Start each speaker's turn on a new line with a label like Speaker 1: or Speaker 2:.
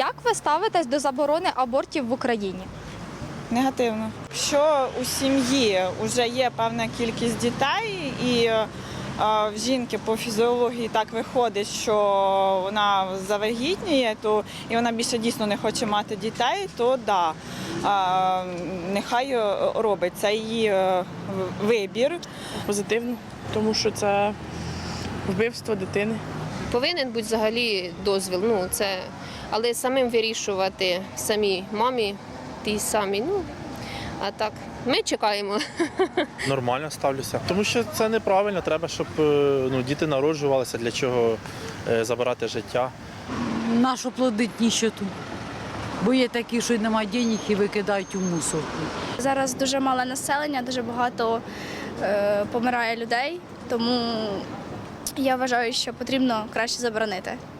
Speaker 1: Як ви ставитесь до заборони абортів в Україні?
Speaker 2: Негативно. Якщо у сім'ї вже є певна кількість дітей і в жінки по фізіології так виходить, що вона завагітніє, то і вона більше дійсно не хоче мати дітей, то да, нехай робить. Це її вибір.
Speaker 3: Позитивно, тому що це вбивство дитини.
Speaker 4: Повинен бути взагалі дозвіл, але самим вирішувати самій мамі, тій самій, а так, ми чекаємо.
Speaker 5: Нормально ставлюся, тому що це неправильно, треба, щоб діти народжувалися, для чого забирати життя.
Speaker 6: Нащо плодить ніщоту? Бо є такі, що немає денег і викидають у мусорку.
Speaker 7: Зараз дуже мале населення, дуже багато помирає людей, тому я вважаю, що потрібно краще заборонити.